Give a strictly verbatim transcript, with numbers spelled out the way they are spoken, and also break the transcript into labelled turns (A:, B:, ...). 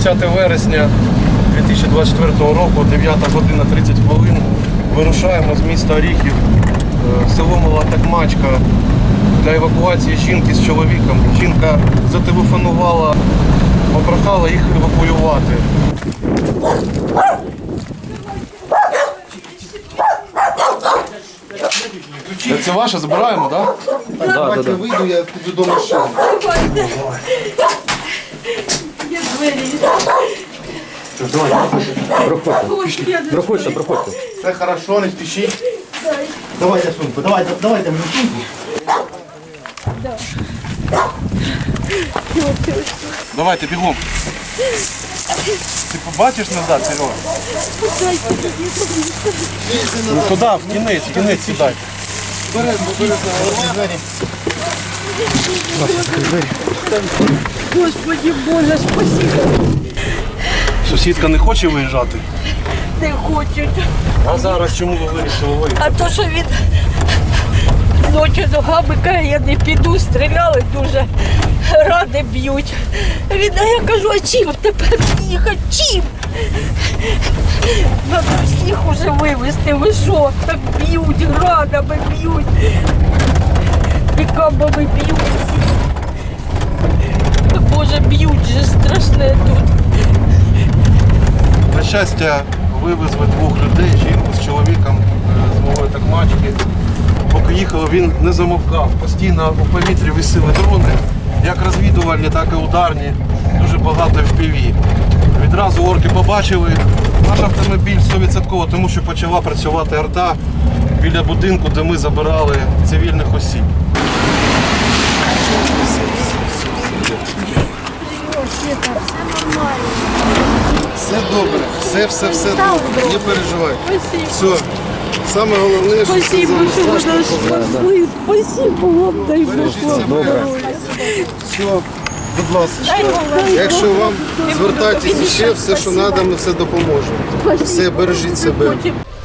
A: двадцяте вересня дві тисячі двадцять четвертого року, дев'ята година тридцять хвилин. Вирушаємо з міста Оріхів в село Мала Такмачка для евакуації жінки з чоловіком. Жінка зателефонувала, попрохала їх евакуювати. Це ваше, забираємо, так?
B: Да? Так, давайте да, да. Вийду, я піду до машини.
C: Я двері.
B: Проходьте. Проходьте, проходьте. Все хорошо, не спішіть. Давайте сумку, давайте, давайте мені сумку.
A: Давайте, бігом. Ти побачиш назад, Серега? Ну туди, в кінець, в кінець сідай.
B: Беремо, беремо.
C: Господи Боже, спасибо.
A: Сусідка не хоче виїжджати?
C: Не хочуть.
A: А зараз чому ви вирішили виїхати?
C: А то, що він ночі ногами каже, я не піду, стріляли дуже, ради б'ють. Він, а я кажу, а чим тепер їхати? Чим? Надо всіх уже вивезти, ви що? Так б'ють, градами б'ють, пікабами б'ють. Боже, б'ють же, страшне тут.
A: На щастя, вивезли двох людей, жінку з чоловіком з Малої Такмачки. Поки їхали, він не замовкав. Постійно у повітрі висіли дрони, як розвідувальні, так і ударні. Дуже багато еф пі ві. Відразу орки побачили наш автомобіль сто відсотків, тому що почала працювати арта біля будинку, де ми забирали цивільних осіб.
B: Все добре, все, все, все добре, не переживай. Все, саме головне, що це
C: Спасибо, що ви нас спасли. Спасибо вам, дай Бог вам здоров'я.
B: Все, будь ласка, якщо вам звертайтеся ще, все, що треба, ми все допоможемо. Все, бережіть себе.